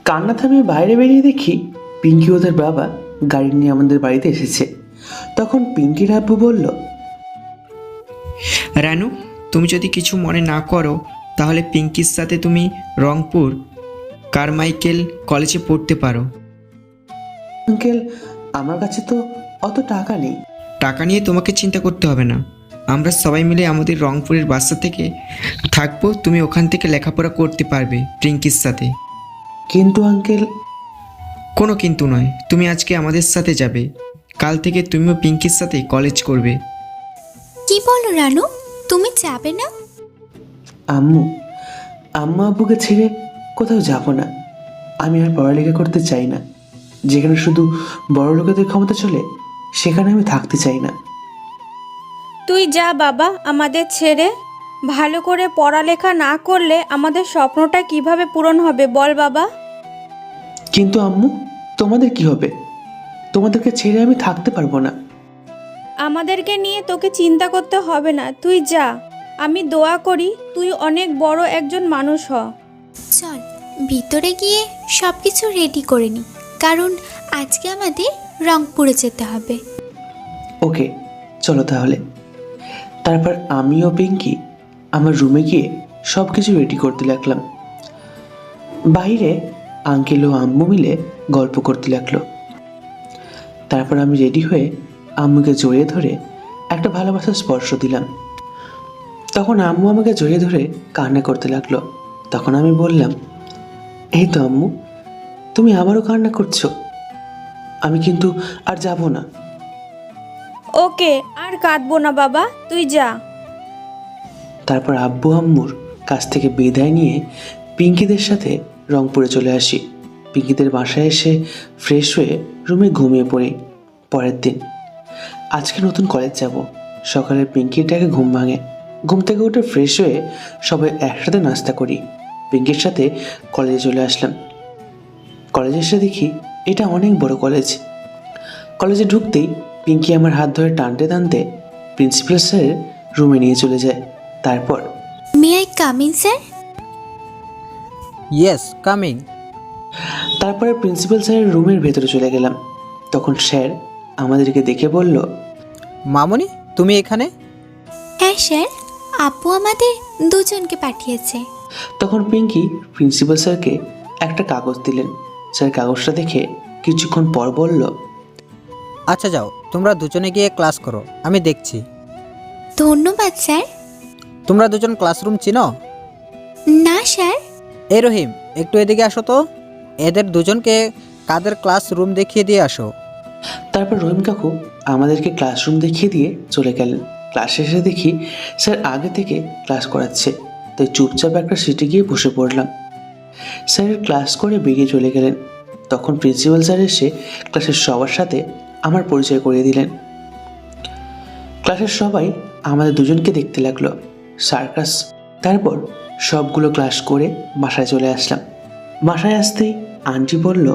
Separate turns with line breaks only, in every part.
কান্না থামিয়ে বাইরে বেরিয়ে দেখি পিঙ্কি ওদের বাবা গাড়ি নিয়ে আমাদের বাড়িতে এসেছে। তখন পিঙ্কির আব্বু বলল,
রানু, তুমি যদি কিছু মনে না করো তাহলে পিঙ্কির সাথে তুমি রংপুর কারমাইকেল কলেজে পড়তে পারো।
আঙ্কেল, আমার কাছে তো অত টাকা নেই।
টাকা নিয়ে তোমাকে চিন্তা করতে হবে না, আমরা সবাই মিলে আমাদের রংপুরের বাসা থেকে থাকবো, তুমি ওখান থেকে লেখাপড়া করতে পারবে পিঙ্কির সাথে।
কিন্তু আঙ্কেল।
কোনো কিন্তু নয়, তুমি আজকে আমাদের সাথে যাবে, কাল থেকে তুমিও পিঙ্কির সাথে কলেজ করবে।
কি বলো রানু, তুমি যাবে না?
আম্মু আম্মা আব্বুকে ছেড়ে কোথাও যাব না। আমি আর পড়ালেখা করতে চাই না। যেখানে শুধু বড় লোকেদের ক্ষমতা চলে সেখানে আমি থাকতে চাই না।
তুই যা বাবা আমাদের ছেড়ে। ভালো করে পড়ালেখা না করলে আমাদের স্বপ্নটা কিভাবে পূরণ হবে বল বাবা?
কিন্তু আম্মু, তোমাদের কি হবে? তোমাদেরকে ছেড়ে আমি থাকতে পারবো না।
আমাদেরকে নিয়ে তোকে চিন্তা করতে হবে না, তুই যা। আমি দোয়া করি তুই অনেক বড় একজন মানুষ হ।
চল ভিতরে গিয়ে সব কিছু রেডি করে নি, কারণ আজকে আমাদের রংপুরে যেতে হবে।
ওকে, চলো তাহলে। তারপর আমি ও পিঙ্কি আমার রুমে গিয়ে সব কিছু রেডি করতে লাগলাম। বাইরে আঙ্কেল ও আম্মু মিলে গল্প করতে লাগলো। তারপর আমি রেডি হয়ে আম্মুকে জড়িয়ে ধরে একটা ভালোবাসার স্পর্শ দিলাম। তখন আম্মু আমাকে জড়িয়ে ধরে কান্না করতে লাগলো। তখন আমি বললাম, এই তো আম্মু, তুমি আবারও কান্না করছো। আমি কিন্তু আর যাব না।
ওকে, আর কাঁদবো না বাবা, তুই যা।
তারপর আব্বু আম্মুর কাছ থেকে বিদায় নিয়ে পিঙ্কিদের সাথে রংপুরে চলে আসি। পিঙ্কিদের বাসায় এসে ফ্রেশ হয়ে রুমে ঘুমিয়ে পড়ি। পরের দিন আজকে নতুন কলেজ যাব। সকালে পিঙ্কিটাকে ঘুম ভাঙে। ঘুম থেকে উঠে ফ্রেশ হয়ে সবাই একসাথে নাস্তা করি। পিঙ্কির সাথে কলেজে চলে আসলাম। কলেজে এসে দেখি এটা অনেক বড় কলেজ। কলেজে ঢুকতেই পিঙ্কি আমার হাত ধরে টানতে টানতে প্রিন্সিপাল স্যারের রুমে নিয়ে চলে যায়। তারপর,
may I come in sir?
Yes, coming.
তারপরে প্রিন্সিপাল স্যারের রুমের ভেতরে চলে গেলাম। তখন স্যার আমাদেরকে দেখে বলল,
মামনি, তুমি এখানে?
হ্যাঁ স্যার, আপু আমাদের দুজনকে পাঠিয়েছে।
তখন পিঙ্কি প্রিন্সিপাল স্যারকে একটা কাগজ দিলেন। স্যার কাগজটা দেখে কিছুক্ষণ পর বলল,
আচ্ছা যাও, তোমরা দুজনে গিয়ে ক্লাস করো, আমি দেখছি।
ধন্যবাদ স্যার।
তোমরা দুজন ক্লাসরুম চিনো?
না স্যার।
এই রহিম, একটু এদিকে আসো তো, এদের দুজনকে কাদের ক্লাসরুম দেখিয়ে দিয়ে আসো।
তারপর রহিম কাকু আমাদেরকে ক্লাসরুম দেখিয়ে দিয়ে চলে গেলেন। ক্লাস শেষে দেখি স্যার আগে থেকে ক্লাস করাচ্ছে, তাই চুপচাপ একটা সিটে গিয়ে বসে পড়লাম। স্যারের ক্লাস করে বেরিয়ে চলে গেলেন। তখন প্রিন্সিপাল স্যার এসে ক্লাসের সবার সাথে আমার পরিচয় করিয়ে দিলেন। ক্লাসের সবাই আমাদের দুজনকে দেখতে লাগলো, সার্কাস। তারপর সবগুলো ক্লাস করে বাসায় চলে আসলাম। বাসায় আসতেই আন্টি বলল,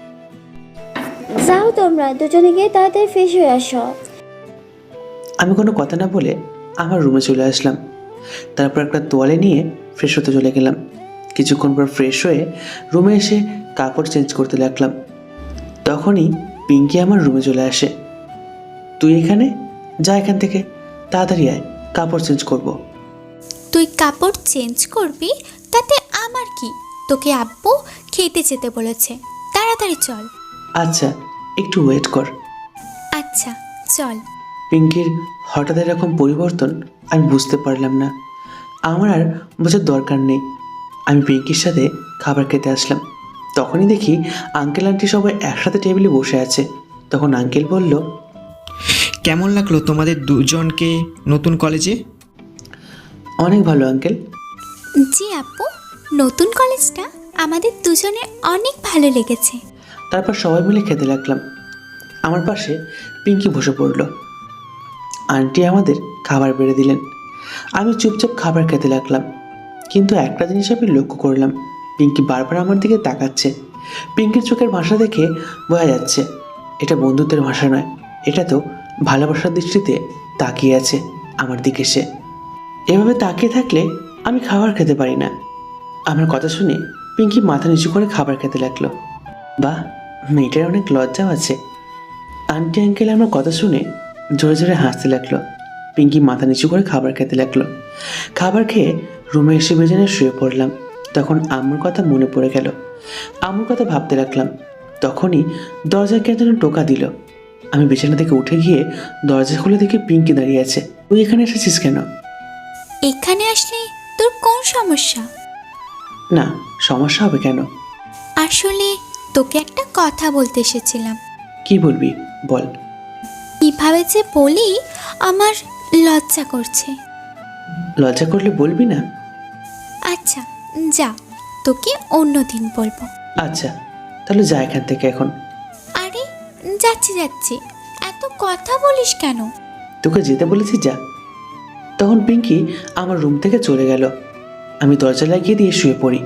যাও তোমরা দুজনে গিয়ে তাড়াতাড়ি ফ্রেশ হয়ে আসো।
আমি কোনো কথা না বলে আমার রুমে চলে আসলাম। তারপর একটা তোয়ালে নিয়ে ফ্রেশ হতে চলে গেলাম। কিছুক্ষণ পর ফ্রেশ হয়ে রুমে এসে কাপড় চেঞ্জ করতে লাগলাম। তখনই পিঙ্কি আমার রুমে চলে আসে। তুই এখানে? যা এখান থেকে, তাড়াতাড়ি আয়, কাপড় চেঞ্জ করব।
তুই কাপড় চেঞ্জ করবি তাতে আমার কি? তোকে আব্বু খেতে যেতে বলেছে, তাড়াতাড়ি চল।
আচ্ছা, একটু ওয়েট কর।
আচ্ছা চল।
পিঙ্কির হঠাৎ এরকম পরিবর্তন আমি বুঝতে পারলাম না। আমার আর বোঝার দরকার নেই। আমি পিঙ্কির সাথে খাবার খেতে আসলাম। তখনই দেখি আঙ্কেল আন্টি সবাই একসাথে টেবিলে বসে আছে। তখন আঙ্কেল বলল,
কেমন লাগলো তোমাদের দুজনকে নতুন কলেজে?
অনেক ভালো আঙ্কেল।
জি আব্বু, নতুন কলেজটা আমাদের দুজনের অনেক ভালো লেগেছে।
তারপর সবাই মিলে খেতে লাগলাম। আমার পাশে পিঙ্কি বসে পড়ল। আন্টি আমাদের খাবার বেড়ে দিলেন। আমি চুপচাপ খাবার খেতে লাগলাম। কিন্তু একটা জিনিস আমি লক্ষ্য করলাম, পিঙ্কি বারবার আমার দিকে তাকাচ্ছে। পিঙ্কির চোখের ভাষা দেখে বোঝা যাচ্ছে এটা বন্ধুত্বের ভাষা নয়, এটা তো ভালোবাসার দৃষ্টিতে তাকিয়ে আছে আমার দিকে সে। এভাবে তাকিয়ে থাকলে আমি খাবার খেতে পারি না। আমার কথা শুনে পিঙ্কি মাথা নিচু করে খাবার খেতে লাগলো। বাহ, মেয়েটার অনেক লজ্জাও আছে। আন্টি আঙ্কেল আমার কথা শুনে জোরে জোরে হাসতে লাগলো। পিঙ্কি মাথা নিচু করে খাবার খেতে লাগলো। খাবার খেয়ে রুমে এসে বেজেনে শুয়ে পড়লাম। তখন আম্মুর কথা মনে পড়ে গেল। আম্মুর কথা ভাবতে লাগলাম। তখনই দরজায় কে যেন টোকা দিল। আমি বিছানা থেকে উঠে গিয়ে দরজা খুলে দেখি পিঙ্কি দাঁড়িয়ে আছে। তুই এখানে এসেছিস কেন?
এখানে আসলে তোর কোন সমস্যা?
না, সমস্যা হবে কেন?
আসলে তোকে একটা কথা বলতে এসেছিলাম।
কি বলবি বল।
কিভাবে যে বলি, আমার লজ্জা করছে।
লজ্জা করলে বলবি না?
আচ্ছা যা, তোকে অন্য দিন বলবো।
আচ্ছা, তাহলে যা এখান থেকে এখন।
আরে যাচ্ছি যাচ্ছি, এত কথা বলিস কেন?
তোকে যেতে বলেছি, যা। তখন পিঙ্কি আমার রুম থেকে চলে গেল। আমি দরজা লাগিয়ে দিয়ে শুয়ে পড়ি।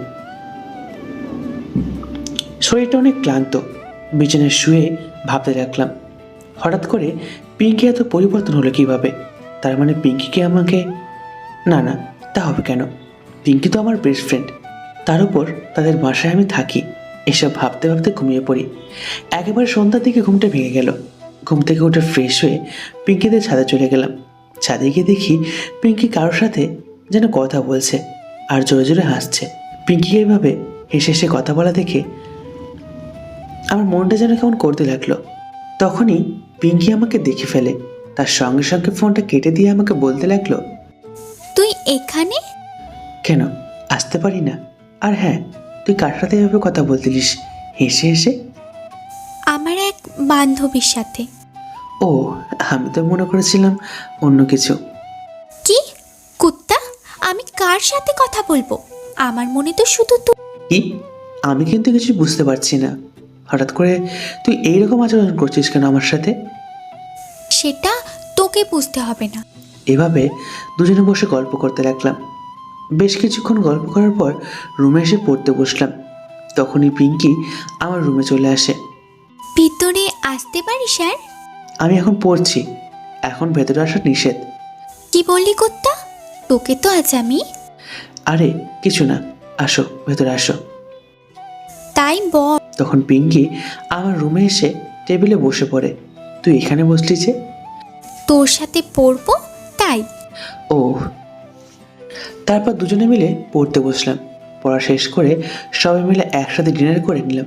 শরীরটা অনেক ক্লান্ত। বিছানায় শুয়ে ভাবতে লাগলাম, হঠাৎ করে পিঙ্কি এত পরিবর্তন হলো কিভাবে? তার মানে পিঙ্কিকে আমাকে... না না, তা হবে কেন? পিঙ্কি তো আমার বেস্ট ফ্রেন্ড। তার উপর তাদের বাসায় আমি থাকি। এসব ভাবতে ভাবতে ঘুমিয়ে পড়ি। একেবারে সন্ধ্যার দিকে ঘুমটা ভেঙে গেল। ঘুম থেকে উঠে ফ্রেশ হয়ে পিঙ্কিদের ছাদে চলে গেলাম। ছাদে গিয়ে দেখি পিঙ্কি কারোর সাথে যেন কথা বলছে আর জোরে জোরে হাসছে। পিঙ্কিকে এইভাবে হেসে হেসে কথা বলা দেখে আমার মনটা যেন কেমন করতে লাগলো। তখনই পিঙ্কি আমাকে দেখে ফেলে। তার সঙ্গে সঙ্গে ফোনটা কেটে দিয়ে আমাকে বলতে লাগলো,
তুই এখানে?
কেন আসতে পারি না? আর হ্যাঁ, তুই কার সাথে এভাবে কথা বলতিলিস হেসে হেসে?
আমার এক বান্ধবীর সাথে।
ও, আমি তো মনে করেছিলাম অন্য কিছু।
কি কুত্তা, আমি কার সাথে কথা বলবো? আমার মনে তো শুধু তুই।
কি? আমি কিন্তু কিছু বুঝতে পারছি না। হঠাৎ করে তুই এইরকম আচরণ করছিস কেন আমার সাথে?
সেটা তোকে বুঝতে হবে না।
এভাবে দুজনে বসে গল্প করতে লাগলাম। বেশ কিছুক্ষণ গল্প করার পর রুমে এসে পড়তে বসলাম। তখনই পিঙ্কি আমার রুমে চলে আসে।
ভিতরে আসতে পারি স্যার?
আমি এখন পড়ছি, এখন ভেতরে আসা নিষেধ।
কি বললি কুত্তা? তোকে তো আজ আমি...
আরে কিছু না, আসো ভেতরে আসো।
তাই বল।
তখন পিঙ্কি আমার রুমে এসে টেবিলে বসে পড়ে। তুই এখানে বসলি যে?
তোর সাথে পড়বো তাই।
ও। তারপর দুজনে মিলে পড়তে বসলাম। পড়া শেষ করে সবাই মিলে একসাথে ডিনার করে নিলাম।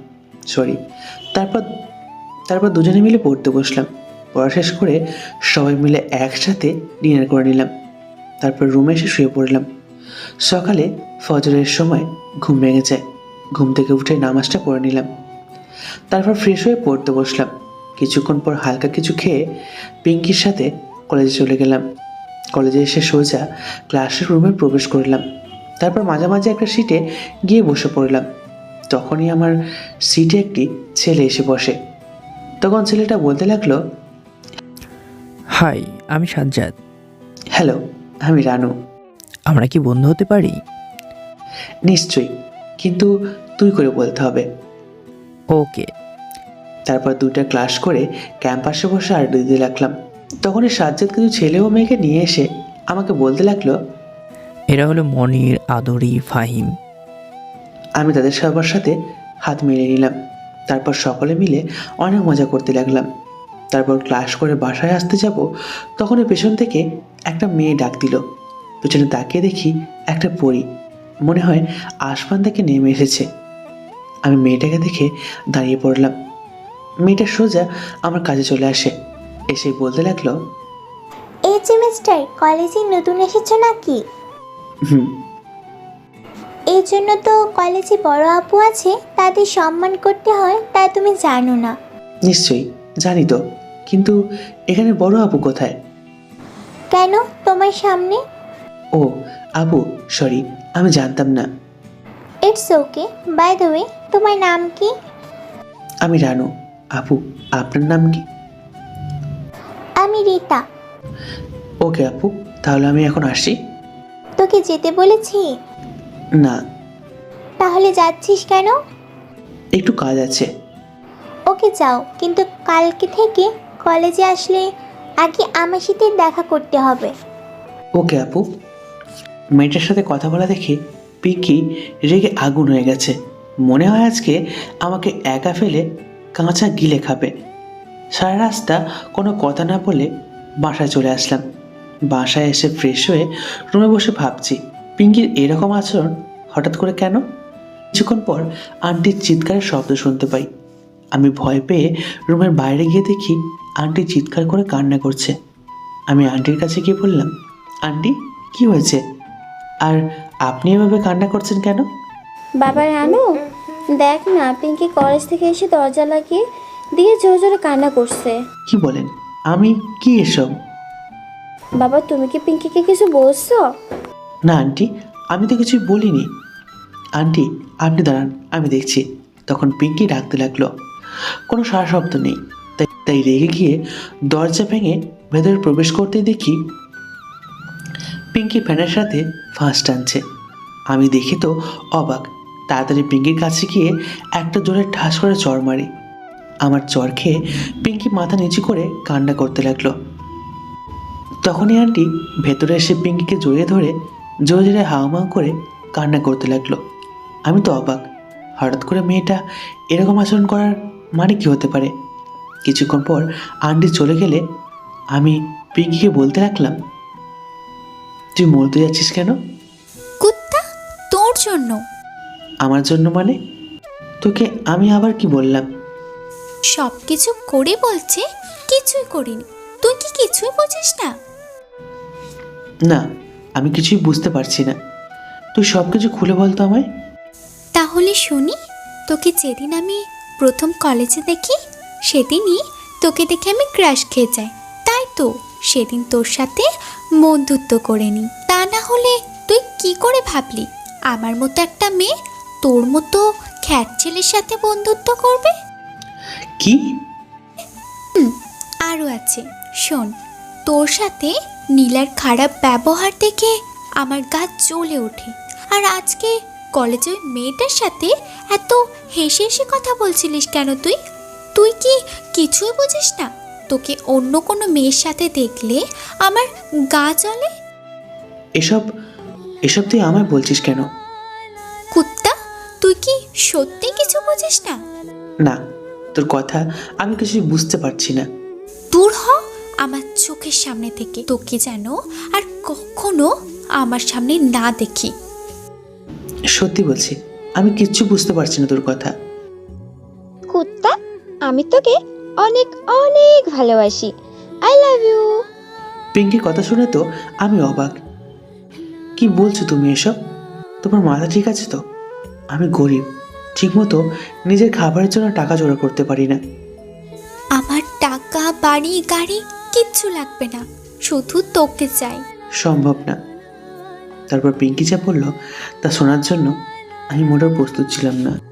তারপর দুজনে মিলে পড়তে বসলাম। পড়া শেষ করে সবাই মিলে একসাথে ডিনার করে নিলাম। তারপর রুমে এসে শুয়ে পড়লাম। সকালে ফজরের সময় ঘুম ভেঙে যায়। ঘুম থেকে উঠে নামাজটা পড়ে নিলাম। তারপর ফ্রেশ হয়ে পড়তে বসলাম। কিছুক্ষণ পর হালকা কিছু খেয়ে পিঙ্কির সাথে কলেজে চলে গেলাম। কলেজে এসে সোজা ক্লাসের রুমে প্রবেশ করলাম। তারপর মাঝামাঝি একটা সিটে গিয়ে বসে পড়লাম। তখনই আমার সিটে একটি ছেলে এসে বসে। তখন ছেলেটা বলতে লাগলো,
হাই, আমি সাজ্জাদ।
হ্যালো, আমি রানু।
আমরা কি বন্ধু হতে পারি?
নিশ্চয়ই, কিন্তু তুই করে বলতে হবে।
ওকে।
তারপর 2টা ক্লাস করে ক্যাম্পাসে বসে আড্ডা দিতে লাগলাম। তখনই সাজ্জাদ কিছু ছেলে ও মেয়েকে নিয়ে এসে আমাকে বলতে লাগলো,
এরা হলো মনির, আদরি, ফাহিম।
আমি তাদের সবার সাথে হাত মিলিয়ে নিলাম। তারপর সকলে মিলে অনেক মজা করতে লাগলাম। তারপর ক্লাস করে বাসায় আসতে যাব, তখনই পেছন থেকে একটা মেয়ে ডাক দিল। পেছনে তাকিয়ে দেখি একটা পরী, মনে হয় আসমান থেকে নেমে এসেছে। আমি মেয়েটাকে দেখে দাঁড়িয়ে পড়লাম। মেয়েটা সোজা আমার কাছে চলে আসে। এসে বলতে লাগলো,
এই যে মিস্টার, কলেজে নতুন এসেছো নাকি?
হুম।
এই জন্য তো কলেজে বড় আপু আছে, তাদের সম্মান করতে হয়, তা তুমি জানো না?
নিশ্চয়ই জানি তো, কিন্তু এখানে বড় আপু কোথায়?
কেন তোমার সামনে?
ও আপু, সরি, আমি জানতাম না।
It's okay. By the way, তোমার নাম কি?
আমি রানু। আপু, আপনার নাম কি?
আমি রীতা।
ওকে আপু, তাহলে আমি এখন আসি।
তোকে যেতে বলেছি?
না।
তাহলে যাচ্ছিস কেন?
একটু কাজ আছে।
ওকে যাও, কিন্তু কালকে থেকে কলেজে আসলে আগে আমার সাথে দেখা করতে হবে।
ওকে আপু। মেয়েটার সাথে কথা বলা দেখে পিঙ্কি রেগে আগুন হয়ে গেছে। মনে হয় আজকে আমাকে একা ফেলে কাঁচা গিলে খাবে। সারা রাস্তা কোনো কথা না বলে বাসায় চলে আসলাম। বাসায় এসে ফ্রেশ হয়ে রুমে বসে ভাবছি পিঙ্কির এরকম আচরণ হঠাৎ করে কেন। কিছুক্ষণ পর আন্টির চিৎকারের শব্দ শুনতে পাই। আমি ভয় পেয়ে রুমের বাইরে গিয়ে দেখি আন্টি চিৎকার করে কান্না করছে। আমি আন্টির কাছে গিয়ে বললাম, আন্টি কি হয়েছে, আর আপনি এভাবে কান্না করছেন কেন?
বাবা রানু, দেখ না, পিঙ্কি কলেজ থেকে এসে দরজা লাগিয়ে দিয়ে জোরে জোরে কান্না করছে।
কি বলেন? আমি কি এসব?
বাবা, তুমি কি পিঙ্কিকে কিছু বলছো?
না আন্টি, আমি তো কিছুই বলিনি। আন্টি আপনি দাঁড়ান, আমি দেখছি। তখন পিঙ্কি ডাকতে লাগলো। কোনো সারা শব্দ নেই। তাই রেগে গিয়ে দরজা ভেঙে ভেতরে প্রবেশ করতে দেখি পিঙ্কি ফ্যানের সাথে ফাঁস টানছে। আমি দেখি তো অবাক। তাড়াতাড়ি পিঙ্কির কাছে গিয়ে একটা জোরে ঠাস করে চড় মারি। আমার চড় খেয়ে পিঙ্কি মাথা নিচু করে কান্না করতে লাগলো। তখনই আন্টি ভেতরে এসে পিঙ্কিকে জড়িয়ে ধরে জোরে জোরে হাওমাও করে কান্না করতে লাগলো। আমি তো অবাক, হঠাৎ করে মেয়েটা এরকম আচরণ করার মানে কি হতে পারে। কিছুক্ষণ পর আন্টি চলে গেলে আমি পিঙ্কিকে বলতে লাগলাম, তুই মরতে যাচ্ছিস কেন?
কুত্তা, তোর জন্য।
আমার জন্য মানে? তোকে আমি আবার কি বললাম?
সব কিছু করে বলছে কিছুই করিনি। তুই কি কিছুই বুঝিস না?
না, আমি কিছুই বুঝতে পারছি না। তুই সব কিছু খুলে বলতো আমায়।
তাহলে শুনি। তোকে যেদিন আমি প্রথম কলেজে দেখি সেদিনই তোকে দেখে আমি ক্রাশ খেয়ে যাই, তাই তো সেদিন তোর সাথে বন্ধুত্ব করে নি। তা না হলে তুই কি করে ভাবলি আমার মতো একটা মেয়ে তোর মতো খ্যাট ছেলের সাথে বন্ধুত্ব করবে?
কি?
আরও আছে, শোন। তোর সাথে নীলার খারাপ ব্যবহার দেখে আমার গা জ্বলে ওঠে। আর আজকে কলেজে ওই মেয়েটার সাথে এত হেসে হেসে কথা বলছিলিস কেন তুই? তুই কি কিছুই বুঝিস না? তোকে অন্য কোনো মেয়ের সাথে দেখলে আমার গা জ্বলে।
এসব এসব তুই আমায় বলছিস কেন?
কুত্তা, তুই কি সত্যি কিছু বুঝিস না?
না, তোর কথা আমি কিছুই বুঝতে পারছি না।
দূর হ আমার চোখের সামনে থেকে। তোকে যেন আর কখনো আমার সামনে না দেখি।
সত্যি বলছি, আমি কিচ্ছু বুঝতে পারছি না তোর কথা।
কুত্তা, আমি তোকে অনেক অনেক ভালোবাসি। I love you.
পিঙ্কির কথা শুনে তো আমি অবাক। কি বলছো তুমি এসব? তোমার মাথা ঠিক আছে তো? আমি গরিব, ঠিকমতো নিজের খাবারের জন্য টাকা জোগাড় করতে পারি না।
আমার টাকা, বাড়ি, গাড়ি কিচ্ছু লাগবে না, শুধু তোকে চাই।
সম্ভব না। তারপর পিঙ্কি যা বলল তা শোনার জন্য আমি মোটেও প্রস্তুত ছিলাম না।